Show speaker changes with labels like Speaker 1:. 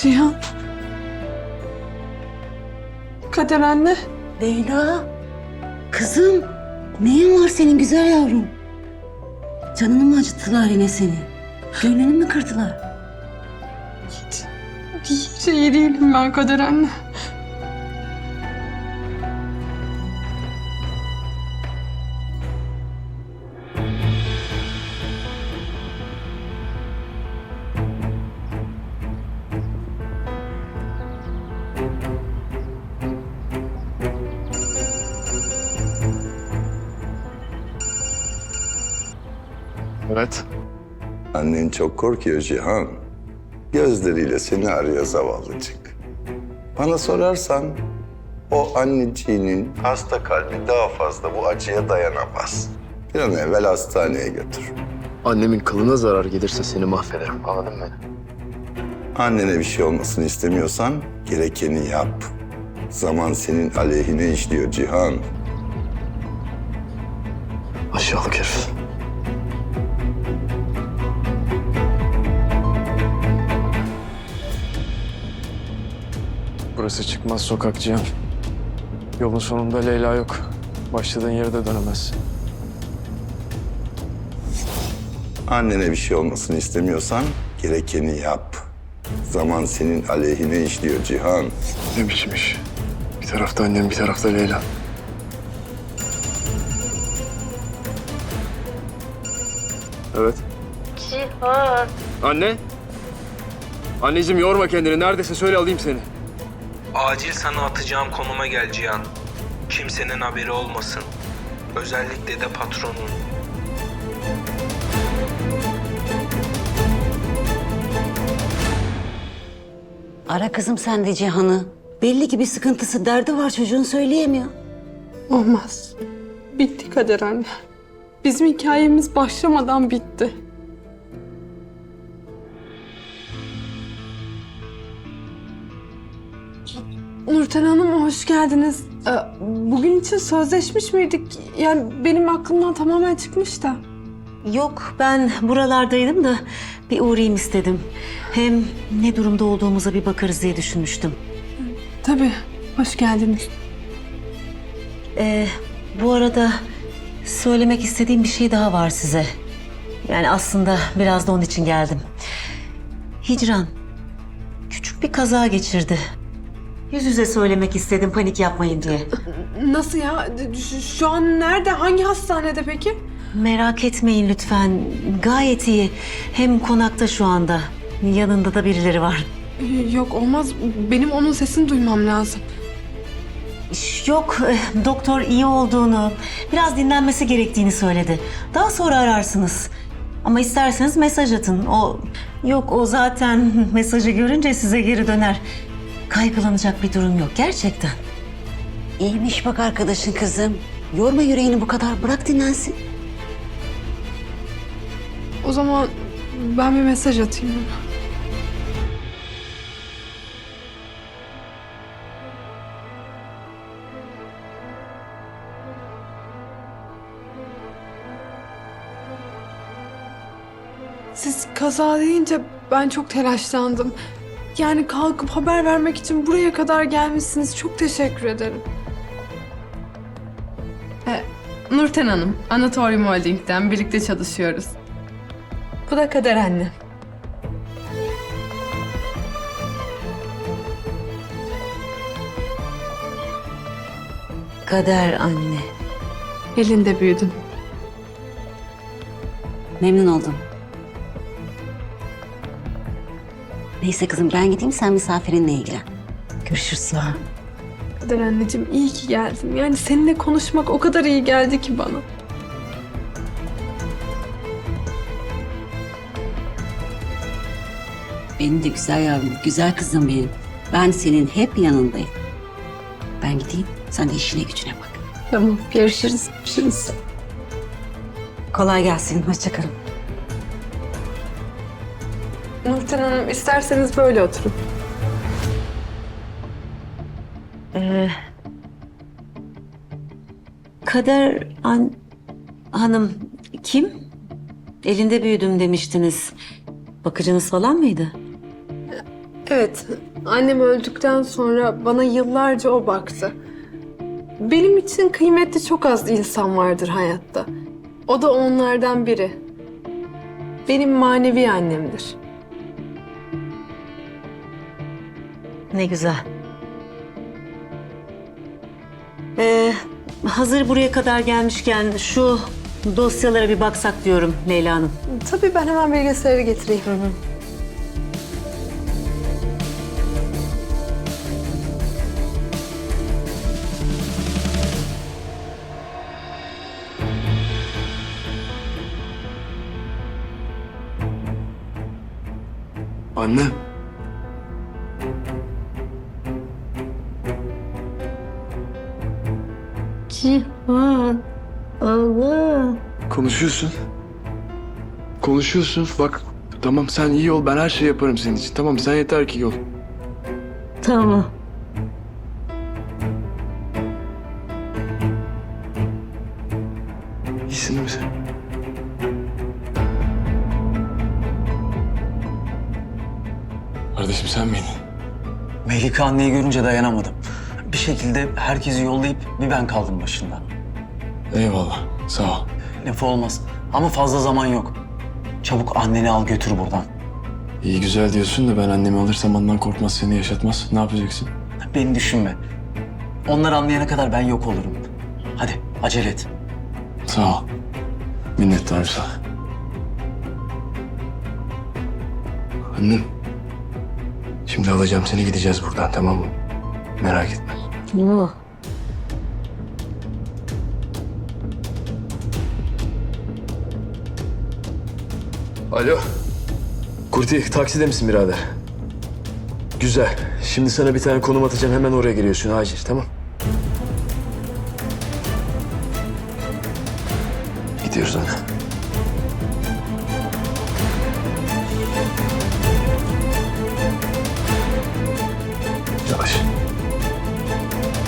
Speaker 1: Cihan. Kader anne.
Speaker 2: Leyla, kızım neyin var senin güzel yavrum? Canını mı acıttılar yine seni? Gönlünü mü kırdılar?
Speaker 1: Hiç iyi değilim ben Kader anne.
Speaker 3: Evet.
Speaker 4: Annen çok korkuyor Cihan. Gözleriyle seni arıyor zavallıcık. Bana sorarsan o anneciğinin hasta kalbi daha fazla bu acıya dayanamaz. Bir an evvel hastaneye götür.
Speaker 3: Annemin kılına zarar gelirse seni mahvederim. Anladın mı?
Speaker 4: Annene bir şey olmasını istemiyorsan gerekeni yap. Zaman senin aleyhine işliyor Cihan.
Speaker 3: Aşağılık herif. Burası çıkmaz sokak Cihan. Yolun sonunda Leyla yok. Başladığın yere de dönemezsin.
Speaker 4: Annene bir şey olmasını istemiyorsan gerekeni yap. Zaman senin aleyhine işliyor Cihan.
Speaker 3: Ne biçim iş? Bir tarafta annem, bir tarafta Leyla. Evet.
Speaker 2: Cihan.
Speaker 3: Anne. Anneciğim yorma kendini. Neredesin söyle alayım seni.
Speaker 5: Acil sana atacağım konuma gel Cihan. Kimsenin haberi olmasın. Özellikle de patronun.
Speaker 2: Ara kızım sen de Cihan'ı. Belli ki bir sıkıntısı, derdi var, çocuğun söyleyemiyor.
Speaker 1: Olmaz. Bitti Kader anne. Bizim hikayemiz başlamadan bitti. Nurten Hanım hoş geldiniz. Bugün için sözleşmiş miydik? Yani benim aklımdan tamamen çıkmış da.
Speaker 2: Yok, ben buralardaydım da bir uğrayayım istedim. Hem ne durumda olduğumuza bir bakarız diye düşünmüştüm.
Speaker 1: Tabii, hoş geldiniz.
Speaker 2: Bu arada söylemek istediğim bir şey daha var size. Yani aslında biraz da onun için geldim. Hicran küçük bir kaza geçirdi. Yüz yüze söylemek istedim, panik yapmayın diye.
Speaker 1: Nasıl ya? Şu an nerede? Hangi hastanede peki?
Speaker 2: Merak etmeyin lütfen. Gayet iyi. Hem konakta şu anda. Yanında da birileri var.
Speaker 1: Yok olmaz. Benim onun sesini duymam lazım.
Speaker 2: Yok, doktor iyi olduğunu, biraz dinlenmesi gerektiğini söyledi. Daha sonra ararsınız. Ama isterseniz mesaj atın. O zaten mesajı görünce size geri döner. Kaygılanacak bir durum yok gerçekten. İyiymiş bak arkadaşın kızım. Yorma yüreğini bu kadar, bırak dinlensin.
Speaker 1: O zaman ben bir mesaj atayım ona. Siz kaza deyince ben çok telaşlandım. Yani kalkıp haber vermek için buraya kadar gelmişsiniz. Çok teşekkür ederim. Nurten Hanım, Anatorium Holding'den birlikte çalışıyoruz. Bu da Kader anne.
Speaker 2: Kader anne.
Speaker 1: Elinde büyüdüm.
Speaker 2: Memnun oldum. Neyse kızım ben gideyim, sen misafirinle ilgilen. Görüşürüz sonra.
Speaker 1: Kader anneciğim iyi ki geldin. Yani seninle konuşmak o kadar iyi geldi ki bana.
Speaker 2: Benim de güzel yavrum, güzel kızım benim. Ben senin hep yanındayım. Ben gideyim, sen de işine gücüne bak.
Speaker 1: Tamam, görüşürüz. Görüşürüz.
Speaker 2: Kolay gelsin, hoşça kalın.
Speaker 1: Nurten Hanım isterseniz böyle oturun.
Speaker 2: Kader hanım kim? Elinde büyüdüm demiştiniz. Bakıcınız falan mıydı?
Speaker 1: Evet, annem öldükten sonra bana yıllarca o baktı. Benim için kıymetli çok az insan vardır hayatta. O da onlardan biri. Benim manevi annemdir.
Speaker 2: Ne güzel. Hazır buraya kadar gelmişken şu dosyalara bir baksak diyorum Leyla Hanım.
Speaker 1: Tabii ben hemen bilgisayarı getireyim.
Speaker 3: Anne.
Speaker 2: Cihan, Allah.
Speaker 3: Konuşuyorsun. Konuşuyorsun. Bak tamam sen iyi ol. Ben her şeyi yaparım senin için. Tamam sen yeter ki iyi ol.
Speaker 2: Tamam.
Speaker 3: İyisin değil mi sen? Kardeşim sen miydin?
Speaker 6: Melike anneyi görünce dayanamadım. Bir şekilde herkesi yollayıp bir ben kaldım başında.
Speaker 3: Eyvallah. Sağ ol.
Speaker 6: Lafı olmaz ama fazla zaman yok. Çabuk anneni al götür buradan.
Speaker 3: İyi güzel diyorsun da ben annemi alırsam ondan korkmaz, seni yaşatmaz. Ne yapacaksın?
Speaker 6: Beni düşünme. Onlar anlayana kadar ben yok olurum. Hadi acele et.
Speaker 3: Sağ ol. Minnettarım sana. Annem. Şimdi alacağım seni, gideceğiz buradan, tamam mı? Merak etme.
Speaker 2: Oh.
Speaker 3: Alo. Kurti, takside misin birader? Güzel. Şimdi sana bir tane konum atacağım. Hemen oraya geliyorsun acil, tamam? Gidiyoruz anne.